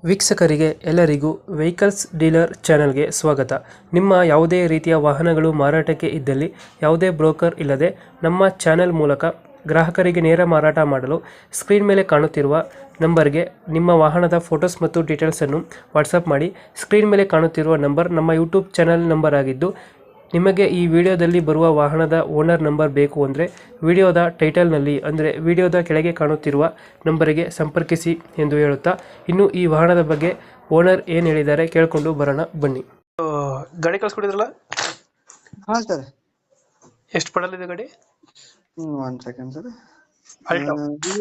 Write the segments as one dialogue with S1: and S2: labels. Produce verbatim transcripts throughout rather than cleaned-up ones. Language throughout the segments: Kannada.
S1: ವೀಕ್ಷಕರಿಗೆ ಎಲ್ಲರಿಗೂ ವೆಹಿಕಲ್ಸ್ ಡೀಲರ್ ಚಾನೆಲ್ಗೆ ಸ್ವಾಗತ. ನಿಮ್ಮ ಯಾವುದೇ ರೀತಿಯ ವಾಹನಗಳು ಮಾರಾಟಕ್ಕೆ ಇದ್ದಲ್ಲಿ ಯಾವುದೇ ಬ್ರೋಕರ್ ಇಲ್ಲದೆ ನಮ್ಮ ಚಾನೆಲ್ ಮೂಲಕ ಗ್ರಾಹಕರಿಗೆ ನೇರ ಮಾರಾಟ ಮಾಡಲು ಸ್ಕ್ರೀನ್ ಮೇಲೆ ಕಾಣುತ್ತಿರುವ ನಂಬರ್ಗೆ ನಿಮ್ಮ ವಾಹನದ ಫೋಟೋಸ್ ಮತ್ತು ಡೀಟೇಲ್ಸನ್ನು ವಾಟ್ಸಪ್ ಮಾಡಿ. ಸ್ಕ್ರೀನ್ ಮೇಲೆ ಕಾಣುತ್ತಿರುವ ನಂಬರ್ ನಮ್ಮ ಯೂಟ್ಯೂಬ್ ಚಾನೆಲ್ ನಂಬರ್ ಆಗಿದ್ದು, ನಿಮಗೆ ಈ ವಿಡಿಯೋದಲ್ಲಿ ಬರುವ ವಾಹನದ ಓನರ್ ನಂಬರ್ ಬೇಕು ಅಂದರೆ ವಿಡಿಯೋದ ಟೈಟಲ್ನಲ್ಲಿ ಅಂದರೆ ವಿಡಿಯೋದ ಕೆಳಗೆ ಕಾಣುತ್ತಿರುವ ನಂಬರಿಗೆ ಸಂಪರ್ಕಿಸಿ ಎಂದು ಹೇಳುತ್ತಾ, ಇನ್ನು ಈ ವಾಹನದ ಬಗ್ಗೆ ಓನರ್ ಏನು ಹೇಳಿದ್ದಾರೆ ಕೇಳಿಕೊಂಡು ಬರೋಣ ಬನ್ನಿ. ಗಾಡಿ ಕಳ್ಸ್ಕೊಟ್ಟಿದ್ರಲ್ಲ,
S2: ಹಾ ಸರ್.
S1: ಎಷ್ಟು ಪಡಲಿದೆ ಗಾಡಿ?
S2: One second sir.
S1: Alto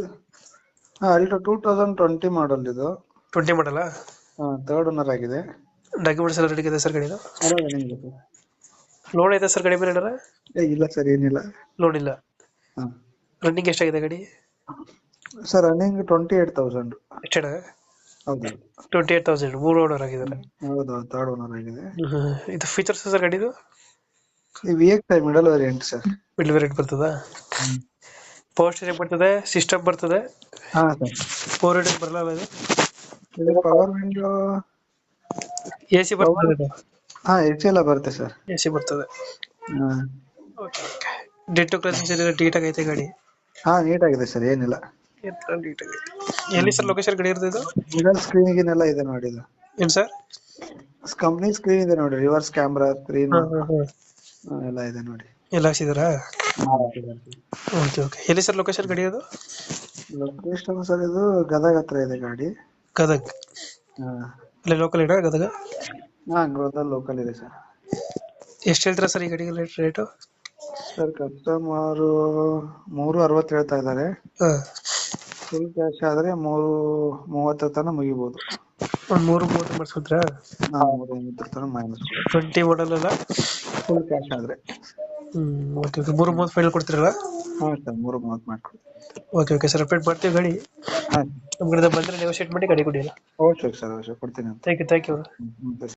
S2: Alto two thousand twenty model ಇದು.
S1: ಟ್ವೆಂಟಿ ಮಾಡಲ್ಲ?
S2: ಥರ್ಡ್ ಓನರ್ ಆಗಿದೆ.
S1: ಡಾಕ್ಯುಮೆಂಟ್ಸ್ ಎಲ್ಲ ರೆಡಿ ಇದೆ ಸರ್ ಗಾಡಿದು?
S2: ಸರ್
S1: ಲೋನ್ ಐತೆ ಸರ್ ಗಾಡಿ ಮೇಲೆ?
S2: ಏ ಇಲ್ಲ ಸರ್, ಏನಿಲ್ಲ.
S1: ಲೋನ್ ಇಲ್ಲ.
S2: ಹಾ
S1: ರನ್ನಿಂಗ್ ಎಷ್ಟಾಗಿದೆ ಗಾಡಿ?
S2: Sir running twenty eight thousand.
S1: ಎಷ್ಟೇನ?
S2: ಹೌದು
S1: ಟ್ವೆಂಟಿ ಏಟ್ ತೌಸಂಡ್. ಮೂರು ಓನರ್ ಆಗಿದ್ದಾರೆ.
S2: ಹೌದು, ಥರ್ಡ್ ಓನರ್ ಆಗಿದೆ.
S1: ಇದು ಫೀಚರ್ಸ್ ಸರ್ ಗಾಡಿದು?
S2: ಈ V X I middle variant sir.
S1: Middle variant ಬರ್ತದಾ? ಪವರ್ ಸ್ಟೀರಿಂಗ್ ಬರ್ತದೆ, ಸಿಸ್ಟಮ್ ಬರ್ತದೆ.
S2: ಹಾ ಸರ್.
S1: ಫೋರ್ ವೀಲರ್ ಬರಲ್ಲ ಅದು?
S2: ಇದು ಪವರ್ ವಿಂಡೋ,
S1: ಎ ಸಿ ಬರ್ತದೆ?
S2: ಹಾ ಎ ಸಿ ಎಲ್ಲ ಬರುತ್ತೆ ಸರ್.
S1: ಎ ಸಿ ಬರ್ತದೆ.
S2: ಹಾ
S1: ಡೆಂಟು ಕ್ರಾಸಿಂಗ್ಸ್ ಎಲ್ಲ ನೀಟಾಗಿ ಐತೆ ಗಾಡಿ?
S2: ಹಾ ನೀಟ್ ಆಗಿದೆ ಸರ್, ಏನಿಲ್ಲ.
S1: ನೀಟಾಗಿ ಐತೆ. ಎಲ್ಲಿ ಸರ್ ಲೊಕೇಶನ್ ಗಾಡಿ ಇರ್ತದೆ ಇದು?
S2: ಮಿಡಲ್ ಸ್ಕ್ರೀನಿಗೆಲ್ಲ ಇದೆ ನೋಡಿ. ಇದು
S1: ಏನು ಸರ್?
S2: ಕಂಪ್ನಿ ಸ್ಕ್ರೀನ್ ಇದೆ ನೋಡಿ, ರಿವರ್ಸ್ ಕ್ಯಾಮ್ರಾ ಸ್ಕ್ರೀನ್ ಎಲ್ಲ ಇದೆ ನೋಡಿ.
S1: ಎಲ್ಲ ಹಾಕ್ಸಿದಾರಾ? Okay okay. ಎಲ್ಲಿ ಸರ್ ಲೊಕೇಶನ್ ಗಾಡಿ ಅದು?
S2: ಲೊಕೇಶನ್ ಸರ್ ಇದು ಗದಗ ಹತ್ರ ಇದೆ ಗಾಡಿ.
S1: ಗದಗ್?
S2: ಹಾ
S1: ಅಲ್ಲೇ ಲೋಕಲ್ ಇಡ ಗದಗ?
S2: ಹಾ ಗದಗ ಲೋಕಲ್ ಇದೆ ಸರ್.
S1: ಎಷ್ಟು ಹೇಳ್ತೀರಾ ಸರ್ ಈ ಗಾಡಿಗೆ ರೇಟು?
S2: ಸರ್ ಕಸ್ಟಮರ್ ಮೂರು ಅರವತ್ತು ಹೇಳ್ತಾ ಇದ್ದಾರೆ.
S1: ಹಾಂ.
S2: ಫುಲ್ ಕ್ಯಾಶ್ ಆದ್ರೆ ಮೂರು ಮೂವತ್ತರ ತನಕ ಮುಗಿಬಹುದು.
S1: ಒಂದು ಮೂರು ಮೂವತ್ತು ಮಾಡಿಸ್ಕೊಡ್ತೀರಾ?
S2: ಹಾ ಮೂರು ಮೂವತ್ತರ ತನಕ ಮೈನಸ್.
S1: ಟ್ವೆಂಟಿ ಮಾಡಲ್ ಅಲ್ಲ?
S2: ಫುಲ್ ಕ್ಯಾಶ್ ಆದ್ರೆ.
S1: Hmm okay okay. ಮೂರು ಮೂವತ್ತು ಫೈನಲ್ ಕೊಡ್ತೀರಲ್ಲ?
S2: ಹಾ ಸರ್, ಮೂರು ಮೂವತ್ತು ಮಾಡ್ಕೊಡಿ.
S1: ಓಕೆ ಓಕೆ ಸರ್, ಅಪ್ಡೇಟ್ ಮಾಡ್ತೀವಿ ಗಾಡಿ.
S2: ಹಾ
S1: ನಮ್ಮ ಕಡೆ ಬಂದರೆ ನೆಗೋಶಿಯೇಟ್ ಮಾಡಿ ಗಾಡಿ ಕೊಡಿ.
S2: ಅವಶ್ಯಕ ಸರ್, ಅವಶ್ಯಕ ಕೊಡ್ತೀನಿ ಅಂತ.
S1: Thank you thank you.
S2: Hmm